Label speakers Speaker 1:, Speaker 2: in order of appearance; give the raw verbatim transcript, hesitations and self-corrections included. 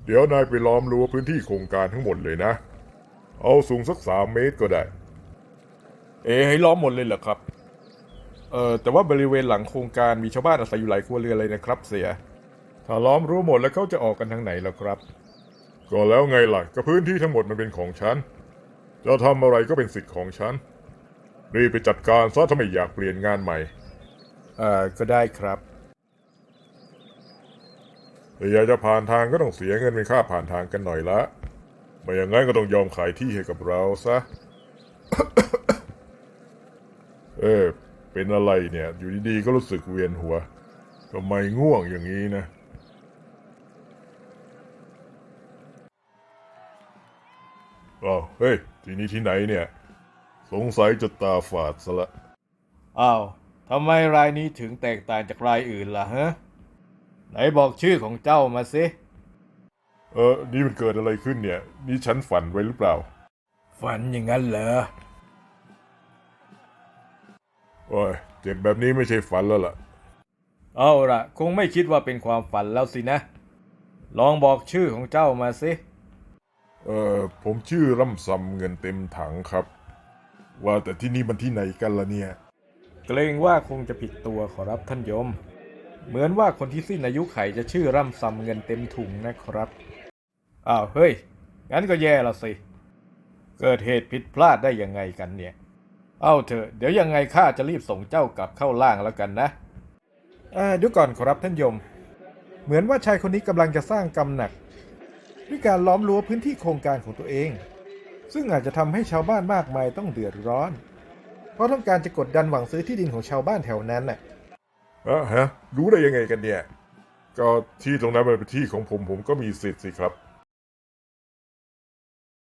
Speaker 1: เดี๋ยวนายไปล้อมรั้วพื้นที่โครงการทั้งหมดเลยนะ เอาสูงสักสามเมตรก็ได้
Speaker 2: เอ๋ให้ล้อมหมดเลยเหรอครับเอ่อแต่ว่าบริเวณหลังโครงการมีชาวบ้านอาศัยอยู่หลายครัวเรือนเลยนะครับเสีย
Speaker 1: ถ้าล้อมรั้วหมดแล้วเขาจะออกกันทางไหนล่ะครับ ก็แล้วไงล่ะก็พื้นที่ทั้งหมดมันเป็นของฉัน จะทำอะไรก็เป็นสิทธิ์ของฉัน รีบไปจัดการซะถ้าไม่อยากเปลี่ยนงานใหม่
Speaker 2: เอ่อก็ได้ครับ
Speaker 1: แต่อยากจะผ่านทางก็ต้องเสียเงินเป็นค่าผ่านทางกันหน่อยละไม่อย่างนั้นก็ต้องยอมขายที่ให้กับเราซะ เออเป็นอะไรเนี่ย อยู่ดีๆก็รู้สึกเวียนหัวทำไมง่วงอย่างนี้นะอ้าวเฮ้ยที่นี่ที่ไหนเนี่ยสงสัยจะตาฝาดซะละ
Speaker 2: อ้าวทำไมรายนี้ถึงแตกต่างจากรายอื่นล่ะฮะไหนบอกชื่อของเจ้ามาสิ
Speaker 1: เออนี่มันเกิดอะไรขึ้นเนี่ยนี่ฉันฝันไว้หรือเปล่า
Speaker 2: ฝันอย่างนั้นเหรอ
Speaker 1: โอ้ยเจ็บแบบนี้ไม่ใช่ฝันแล้วล่ะ
Speaker 2: เอาล่ะคงไม่คิดว่าเป็นความฝันแล้วสินะลองบอกชื่อของเจ้ามาสิ
Speaker 1: เออผมชื่อร่ำซำเงินเต็มถังครับว่าแต่ที่นี่มันที่ไหนกันล่ะเนี่ย
Speaker 2: เกรงว่าคงจะผิดตัวขอรับท่านยมเหมือนว่าคนที่สิ้นอายุไขจะชื่อร่ำซำเงินเต็มถุงนะครับอ้าวเฮ้ยงั้นก็แย่ละสิเกิดเหตุผิดพลาดได้ยังไงกันเนี่ยเอาเถอะเดี๋ยวยังไงข้าจะรีบส่งเจ้ากลับเข้าล่างแล้วกันนะเอ่อเดี๋ยวก่อนขอรับท่านยมเหมือนว่าชายคนนี้กำลังจะสร้างกรรมหนักด้วยการล้อมรั้วพื้นที่โครงการของตัวเองซึ่งอาจจะทำให้ชาวบ้านมากมายต้องเดือดร้อนเพราะต้องการจะกดดันหวังซื้อที่ดินของชาวบ้านแถวนั้นน่ะ
Speaker 1: อะฮะรู้ได้ยังไงกันเนี่ยก็ที่ตรงนั้นมันเป็นที่ของผมผมก็มีสิทธิ์สิครับ